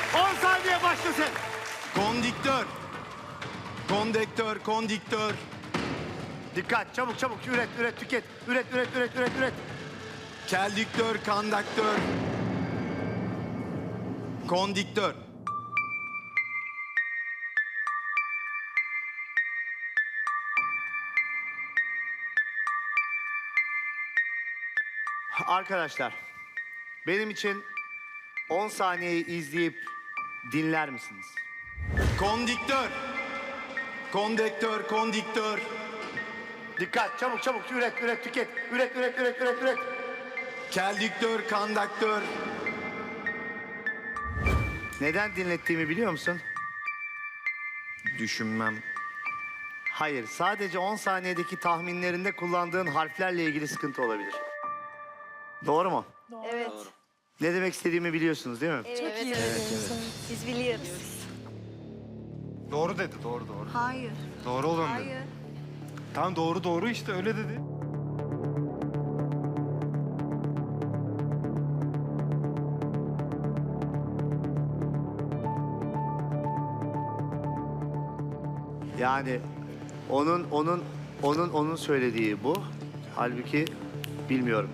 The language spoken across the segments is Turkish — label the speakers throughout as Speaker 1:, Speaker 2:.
Speaker 1: 10 saniye başlasın.
Speaker 2: Kondiktör. Kondektör, kondiktör.
Speaker 1: Dikkat, çabuk çabuk üret, üret, tüket. Üret, üret, üret, üret, üret.
Speaker 2: Keldiktör, kandaktör. Kondiktör.
Speaker 1: Arkadaşlar, benim için 10 saniyeyi izleyip dinler misiniz?
Speaker 2: Kondiktör. Kondektör, kondiktör.
Speaker 1: Dikkat, çabuk çabuk üret, üret, tüket. Üret, üret, üret, üret, üret.
Speaker 2: Keldiktör, kandaktör.
Speaker 1: Neden dinlettiğimi biliyor musun?
Speaker 2: Düşünmem.
Speaker 1: Hayır, sadece 10 saniyedeki tahminlerinde kullandığın harflerle ilgili sıkıntı olabilir. Doğru mu?
Speaker 3: Evet.
Speaker 1: Ne demek istediğimi biliyorsunuz değil mi?
Speaker 3: Evet, Biz biliyoruz.
Speaker 4: Doğru dedi, doğru doğru.
Speaker 3: Hayır.
Speaker 4: Doğru olan dedi.
Speaker 3: Hayır.
Speaker 4: Tamam doğru doğru işte öyle dedi.
Speaker 1: Yani onun söylediği bu. Halbuki bilmiyorum.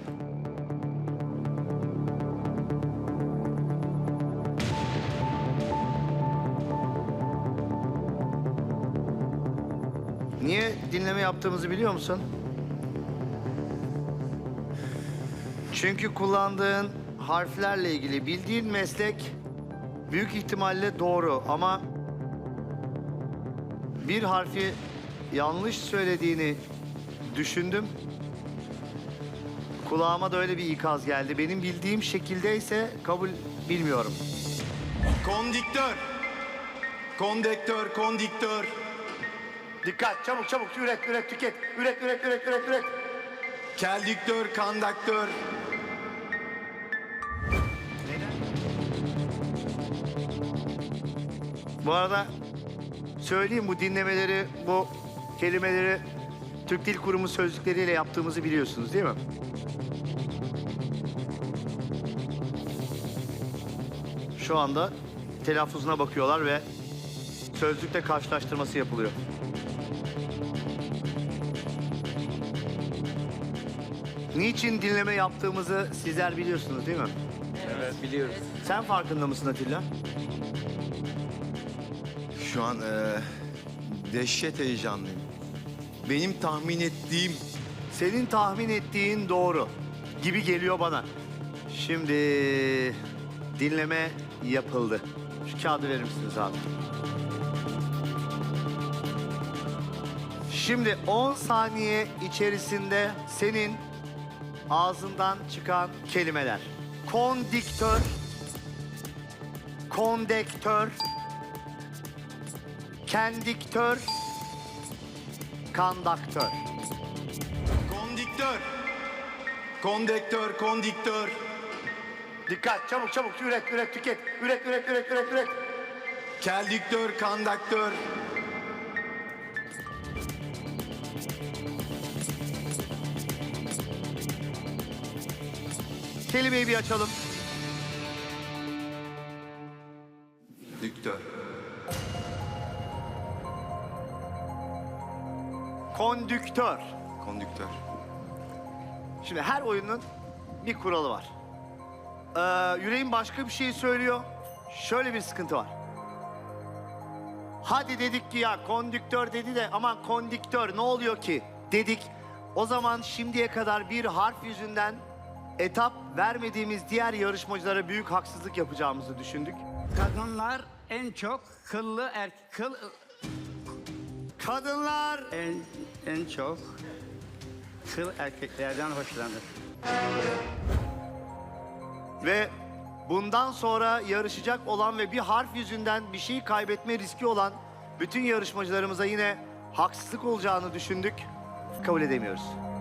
Speaker 1: Niye dinleme yaptığımızı biliyor musun? Çünkü kullandığın harflerle ilgili bildiğin meslek büyük ihtimalle doğru ama bir harfi yanlış söylediğini düşündüm. Kulağıma da öyle bir ikaz geldi. Benim bildiğim şekildeyse kabul bilmiyorum.
Speaker 2: Kondiktör. Kondektör, kondiktör.
Speaker 1: Dikkat, çabuk çabuk üret, üret, tüket. Üret, üret, üret, üret, üret.
Speaker 2: Keldiktör, kandaktör.
Speaker 1: Bu arada söyleyeyim, bu dinlemeleri, bu kelimeleri Türk Dil Kurumu sözlükleriyle yaptığımızı biliyorsunuz değil mi? Şu anda telaffuzuna bakıyorlar ve sözlükte karşılaştırması yapılıyor. Niçin dinleme yaptığımızı sizler biliyorsunuz değil mi?
Speaker 4: Evet biliyoruz.
Speaker 1: Sen farkında mısın Atilla?
Speaker 2: Şu an dehşet heyecanlıyım. Benim tahmin ettiğim
Speaker 1: Senin tahmin ettiğin doğru gibi geliyor bana. Şimdi dinleme yapıldı. Şu kağıdı verir misiniz abi? Şimdi 10 saniye içerisinde senin ağzından çıkan kelimeler. Kondiktör, kondektör, kendiktör, kandaktör.
Speaker 2: kondiktör. Kondektör, kondiktör.
Speaker 1: Dikkat, çabuk çabuk üret, üret, tüket. Üret, üret, üret, üret, üret.
Speaker 2: Keldiktör, kandaktör.
Speaker 1: Kelimeyi bir açalım.
Speaker 2: Diktör.
Speaker 1: Kondüktör.
Speaker 2: Konduktör.
Speaker 1: Şimdi her oyunun bir kuralı var. Yüreğin başka bir şey söylüyor. Şöyle bir sıkıntı var. Hadi dedik ki ya kondüktör dedi de aman kondiktör ne oluyor ki dedik. O zaman şimdiye kadar bir harf yüzünden etap vermediğimiz diğer yarışmacılara büyük haksızlık yapacağımızı düşündük.
Speaker 5: Kadınlar en çok kıllı
Speaker 1: Kadınlar
Speaker 5: en çok kıl erkeklerden hoşlanır.
Speaker 1: ve bundan sonra yarışacak olan ve bir harf yüzünden bir şey kaybetme riski olan bütün yarışmacılarımıza yine haksızlık olacağını düşündük. Kabul edemiyoruz.